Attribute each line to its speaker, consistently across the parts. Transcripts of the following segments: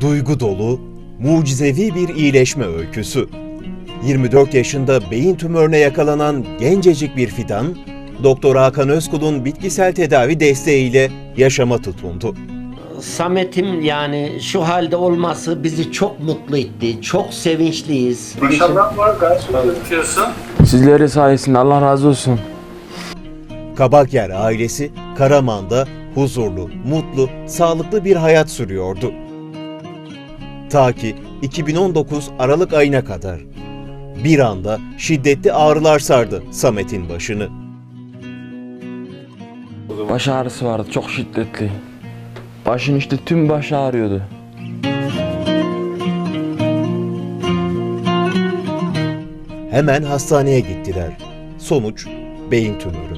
Speaker 1: Duygu dolu, mucizevi bir iyileşme öyküsü. 24 yaşında beyin tümörüne yakalanan gencecik bir fidan, Doktor Hakan Özkul'un bitkisel tedavi desteğiyle yaşama tutundu.
Speaker 2: Samet'im yani şu halde olması bizi çok mutlu etti. Çok sevinçliyiz.
Speaker 3: Maşallah var, gayet gözüküyorsun.
Speaker 4: Sizlerin sayesinde Allah razı olsun.
Speaker 1: Kabakyer ailesi Karaman'da huzurlu, mutlu, sağlıklı bir hayat sürüyordu. Ta ki 2019 Aralık ayına kadar. Bir anda şiddetli ağrılar sardı Samet'in başını.
Speaker 4: Baş ağrısı vardı, çok şiddetli. Başın işte tüm başı ağrıyordu.
Speaker 1: Hemen hastaneye gittiler. Sonuç beyin tümörü.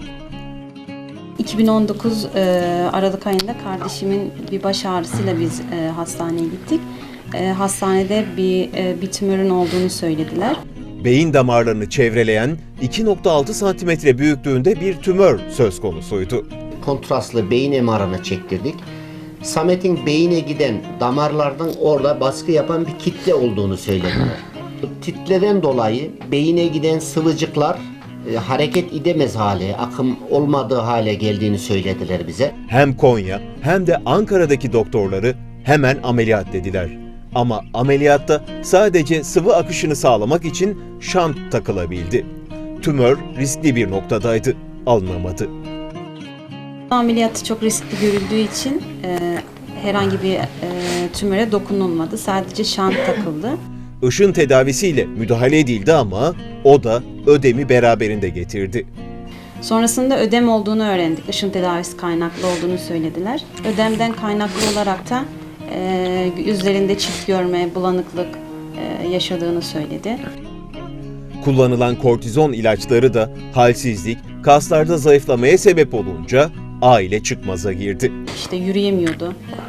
Speaker 5: 2019 Aralık ayında kardeşimin bir baş ağrısıyla biz hastaneye gittik. Hastanede bir tümörün olduğunu söylediler.
Speaker 1: Beyin damarlarını çevreleyen 2,6 santimetre büyüklüğünde bir tümör söz konusuydu.
Speaker 2: Kontrastlı beyin MR'ını çektirdik. Samet'in beyine giden damarlardan orada baskı yapan bir kitle olduğunu söylediler. Titreden dolayı beyine giden sıvıcıklar hareket edemez hale, akım olmadığı hale geldiğini söylediler bize.
Speaker 1: Hem Konya hem de Ankara'daki doktorları hemen ameliyat dediler. Ama ameliyatta sadece sıvı akışını sağlamak için şant takılabildi. Tümör riskli bir noktadaydı, alınamadı.
Speaker 5: Ameliyatı çok riskli görüldüğü için herhangi bir tümöre dokunulmadı. Sadece şant takıldı.
Speaker 1: Işın tedavisiyle müdahale edildi ama o da ödemi beraberinde getirdi.
Speaker 5: Sonrasında ödem olduğunu öğrendik. Işın tedavisi kaynaklı olduğunu söylediler. Ödemden kaynaklı olarak da üzerinde çift görme, bulanıklık yaşadığını söyledi.
Speaker 1: Kullanılan kortizon ilaçları da halsizlik, kaslarda zayıflamaya sebep olunca aile çıkmaza girdi.
Speaker 5: İşte yürüyemiyordu.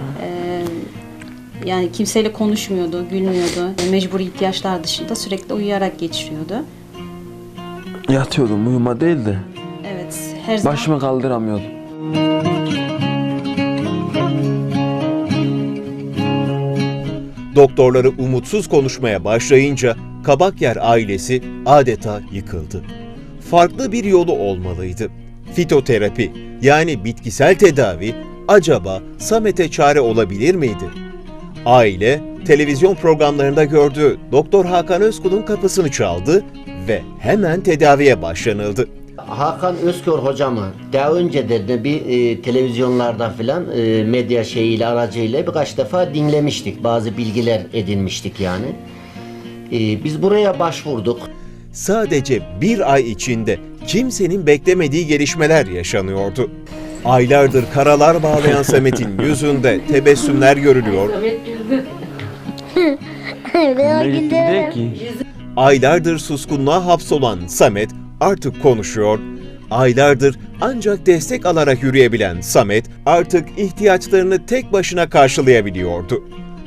Speaker 5: Yani kimseyle konuşmuyordu, gülmüyordu. Mecburi ihtiyaçlar dışında sürekli uyuyarak geçiriyordu.
Speaker 4: Yatıyordum, uyuma değildi.
Speaker 5: Evet, her zaman
Speaker 4: Başımı kaldıramıyordum.
Speaker 1: Doktorları umutsuz konuşmaya başlayınca Kabakyer ailesi adeta yıkıldı. Farklı bir yolu olmalıydı. Fitoterapi yani bitkisel tedavi acaba Samet'e çare olabilir miydi? Aile televizyon programlarında gördüğü Doktor Hakan Özkul'un kapısını çaldı ve hemen tedaviye başlanıldı.
Speaker 2: Hakan Özkör hocamı daha önce de bir televizyonlarda filan medya şeyiyle aracıyla birkaç defa dinlemiştik. Bazı bilgiler edinmiştik yani. Biz buraya başvurduk.
Speaker 1: Sadece bir ay içinde kimsenin beklemediği gelişmeler yaşanıyordu. Aylardır karalar bağlayan Samet'in yüzünde tebessümler görülüyor.
Speaker 4: Ne gittim değil ki.
Speaker 1: Aylardır suskunluğa hapsolan Samet artık konuşuyor. Aylardır ancak destek alarak yürüyebilen Samet artık ihtiyaçlarını tek başına karşılayabiliyordu.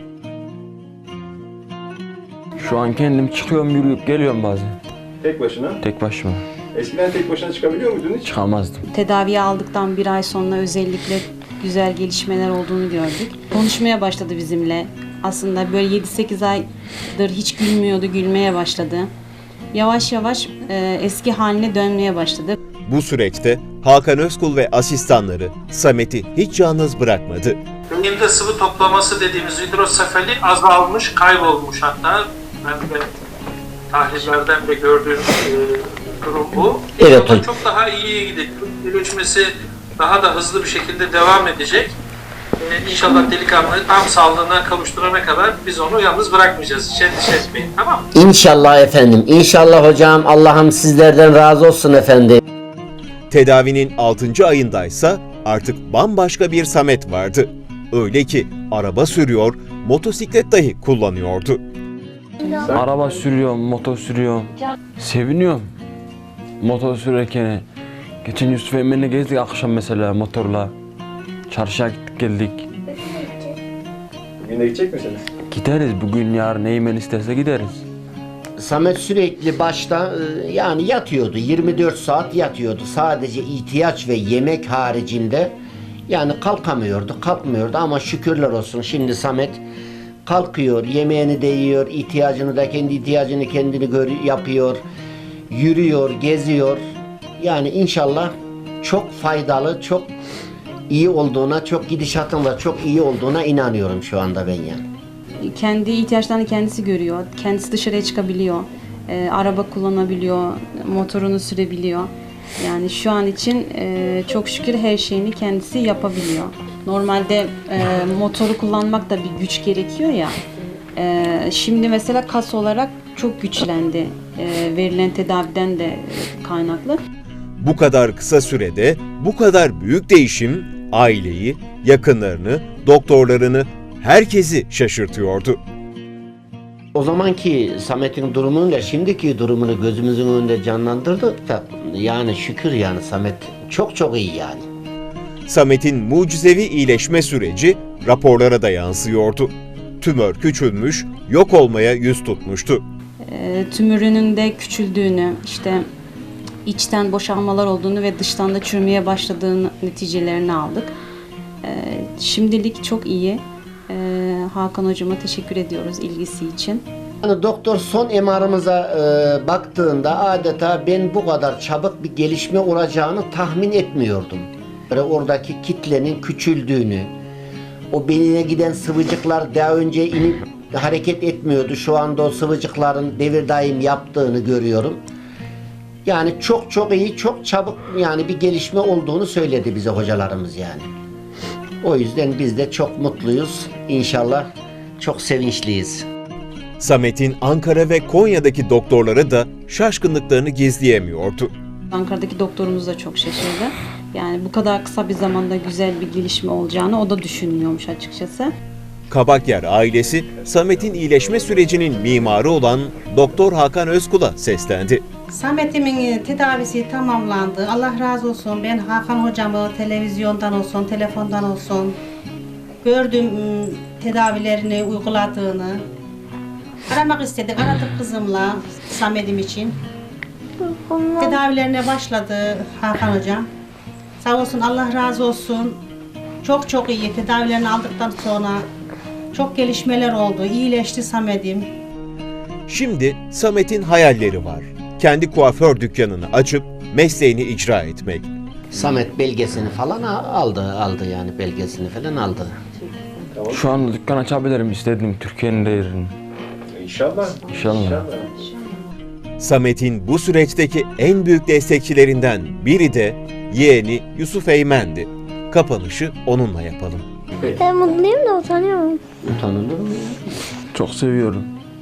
Speaker 4: Şu an kendim çıkıyorum, yürüyüp geliyorum bazen.
Speaker 3: Tek başına.
Speaker 4: Tek başıma.
Speaker 3: Eskiden tek başına çıkabiliyor muydun hiç?
Speaker 4: Çıkamazdım.
Speaker 5: tedaviye aldıktan bir ay sonra özellikle güzel gelişmeler olduğunu gördük. Konuşmaya başladı bizimle. Aslında böyle 7-8 aydır hiç gülmüyordu, gülmeye başladı. Yavaş yavaş eski haline dönmeye başladı.
Speaker 1: Bu süreçte Hakan Özkul ve asistanları Samet'i hiç yalnız bırakmadı.
Speaker 3: Beyinde sıvı toplaması dediğimiz hidrosefali azalmış, kaybolmuş hatta. Ben de tahlillerden de gördüğüm durum bu.
Speaker 2: Evet,
Speaker 3: Ama çok daha iyiye gidecek. Gelişmesi daha da hızlı bir şekilde devam edecek. İnşallah delikanlı tam sağlığına kavuşturana kadar biz onu yalnız bırakmayacağız. Hiç endişe etmeyin, tamam mı?
Speaker 2: İnşallah efendim. İnşallah hocam. Allah'ım sizlerden razı olsun efendim.
Speaker 1: Tedavinin 6. ayındaysa artık bambaşka bir Samet vardı. Öyle ki araba sürüyor, motosiklet dahi kullanıyordu.
Speaker 4: Araba sürüyorum, motor sürüyorum. Seviniyorum. Motor sürerken. Geçen Yusuf Emre'yle gezdik akşam mesela motorla. Çarşıya gittik geldik.
Speaker 3: Bugün de gidecek misiniz?
Speaker 4: Gideriz bugün, yarın Eymen isterse gideriz.
Speaker 2: Samet sürekli başta yani yatıyordu. 24 saat yatıyordu. Sadece ihtiyaç ve yemek haricinde yani kalkamıyordu, kalkmıyordu ama şükürler olsun şimdi Samet kalkıyor, yemeğini de yiyor, ihtiyacını da kendi ihtiyacını kendini yapıyor, yürüyor, geziyor. Yani inşallah çok faydalı, çok iyi olduğuna, çok gidişatın da çok iyi olduğuna inanıyorum şu anda ben yani.
Speaker 5: Kendi ihtiyaçlarını kendisi görüyor. Kendisi dışarıya çıkabiliyor. Araba kullanabiliyor. Motorunu sürebiliyor. Yani şu an için çok şükür her şeyini kendisi yapabiliyor. Normalde motoru kullanmak da bir güç gerekiyor ya. Şimdi mesela kas olarak çok güçlendi. Verilen tedaviden de kaynaklı.
Speaker 1: Bu kadar kısa sürede bu kadar büyük değişim aileyi, yakınlarını, doktorlarını, herkesi şaşırtıyordu.
Speaker 2: O zamanki Samet'in durumuyla şimdiki durumunu gözümüzün önünde canlandırdık da yani şükür yani Samet çok çok iyi yani.
Speaker 1: Samet'in mucizevi iyileşme süreci raporlara da yansıyordu. Tümör küçülmüş, yok olmaya yüz tutmuştu.
Speaker 5: Tümörünün de küçüldüğünü, işte içten boşalmalar olduğunu ve dıştan da çürümeye başladığını neticelerini aldık. Şimdilik çok iyi. Hakan hocama teşekkür ediyoruz ilgisi için.
Speaker 2: Yani doktor son MR'ımıza baktığında adeta ben bu kadar çabuk bir gelişme olacağını tahmin etmiyordum. Böyle oradaki kitlenin küçüldüğünü, o beynine giden sıvıcıklar daha önce inip hareket etmiyordu. Şu anda o sıvıcıkların devir daim yaptığını görüyorum. Yani çok çok iyi, çok çabuk yani bir gelişme olduğunu söyledi bize hocalarımız yani. O yüzden biz de çok mutluyuz. İnşallah çok sevinçliyiz.
Speaker 1: Samet'in Ankara ve Konya'daki doktorları da şaşkınlıklarını gizleyemiyordu.
Speaker 5: Ankara'daki doktorumuz da çok şaşırdı. Yani bu kadar kısa bir zamanda güzel bir gelişme olacağını o da düşünmüyormuş açıkçası.
Speaker 1: Kabakyer ailesi Samet'in iyileşme sürecinin mimarı olan Doktor Hakan Özkul'a seslendi.
Speaker 6: Samet'imin tedavisi tamamlandı. Allah razı olsun. Ben Hakan hocamı televizyondan olsun, telefondan olsun gördüm tedavilerini uyguladığını. Aramak istedik. Aradık kızımla Samet'im için. Tedavilerine başladı Hakan hocam. Sağ olsun, Allah razı olsun. Çok çok iyi. Tedavilerini aldıktan sonra çok gelişmeler oldu. İyileşti Samet'im.
Speaker 1: Şimdi Samet'in hayalleri var. Kendi kuaför dükkanını açıp mesleğini icra etmek.
Speaker 2: Samet belgesini falan aldı yani belgesini falan aldı.
Speaker 4: Şu an dükkan açabilirim istedim Türkiye'nin de yerini.
Speaker 7: İnşallah.
Speaker 4: İnşallah.
Speaker 1: Samet'in bu süreçteki en büyük destekçilerinden biri de yeğeni Yusuf Eymen'di. Kapanışı onunla yapalım.
Speaker 8: Ben mutluyum da utanıyorum.
Speaker 2: Utanılır mı ya?
Speaker 4: Çok seviyorum.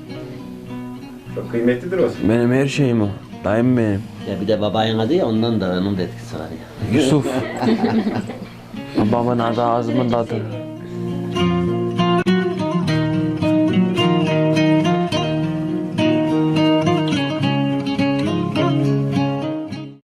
Speaker 7: Çok kıymetlidir o.
Speaker 4: Benim her şeyim o. Dayım benim.
Speaker 2: Ya bir de babayın adı ya ondan da onun da etkisi var ya.
Speaker 4: Yusuf. Babamın adı ağzımın tadı.